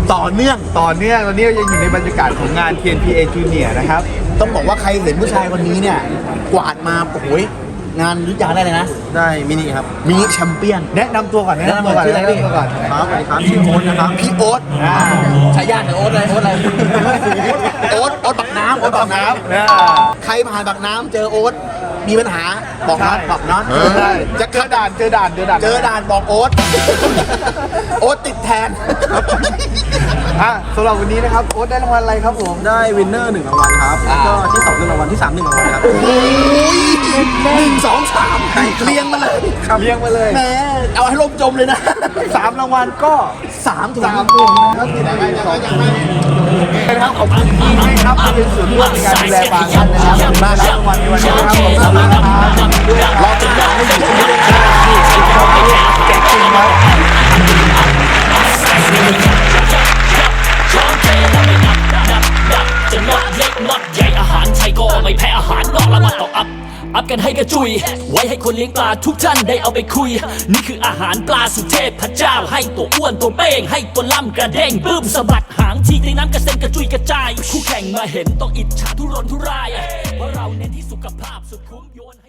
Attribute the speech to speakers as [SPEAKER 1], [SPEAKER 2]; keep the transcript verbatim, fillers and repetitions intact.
[SPEAKER 1] ต่อเนื่อง
[SPEAKER 2] ต่อเนื่องตอนนี้เรายังอยู่ในบรรยากาศของงาน ที เอ็น พี เอ Junior นะครับ
[SPEAKER 1] ต้องบอกว่าใครเห็นผู้ชายคนนี้เนี่ยกวาดมาโอ้โหงานยุทธยาได้เลยนะ
[SPEAKER 3] ได้มินิครับ
[SPEAKER 1] มินิแชมเปี้ยน
[SPEAKER 2] แนะนำตัวก่อนแนะนำตัวก่อน
[SPEAKER 1] ชื่ออะไรพี่
[SPEAKER 2] แนะนำตัวก่อน
[SPEAKER 3] ครับสวัสดีครับชื่อโอ๊ตนะครับ
[SPEAKER 1] พี่โอ๊ตฉายาเนี่ยโอ๊ตอะไรโอ๊ตอะไรโอ๊ตโอ๊ตบักน้ำโอ๊ตบักน้ำใครผ่านบักน้ำเจอโอ๊ตมีปัญหาบอกน็อตบอกน็อต
[SPEAKER 2] ใช่จะเจอด่านเจอด่านเจอด่าน
[SPEAKER 1] เจอด่านบอกโอ๊ตโอ๊ตติดแทน
[SPEAKER 2] อ่ะสำหรับวันนี้นะครับโอ๊ตได้รางวัลอะไรครับผม
[SPEAKER 3] ได้วินเนอร์หนึ่งรางวัลครับแล้วก็ที่สองหนึ่งรางวัลที่สามหนึ่งรางวัลครับ
[SPEAKER 1] โอ้ยหนึ่งสองสามเรียงมาเลย
[SPEAKER 2] เลี้ยงมาเลย
[SPEAKER 1] แหมเอาให้ลมจมเลยนะ
[SPEAKER 2] สามรางวัลก็
[SPEAKER 1] สามถุง
[SPEAKER 2] สามถุงนะครับนะครับขอบคุณที่ให้ครับที่เป็นส่วนร่วมในการดูแลบางท่านนะครับขอบคุณมากครับรางวัลในวันนี้นะครับขอบคุณมากครับรอติดตามให้อยู่ที่นี่นะครับแจกจริงครับ
[SPEAKER 4] จะน็อตเล็กน็อตใหญ่อาหารไทยก็ไม่แพ้อาหารนอกละมาต่ออัพอัพกันให้กระจุยไว้ให้คนเลี้ยงปลาทุกท่านได้เอาไปคุยนี่คืออาหารปลาสุเทพพระเจ้าให้ตัวอ้วนตัวเป้งให้ตัวล่ำกระเด้งบึ้มสะบัดหางทีในน้ำกระเซ็นกระจุยกระจายคู่แข่งมาเห็นต้องอิจฉาทุรนทุรายเพราะเราเน้นที่สุขภาพสุดคุ้มโยน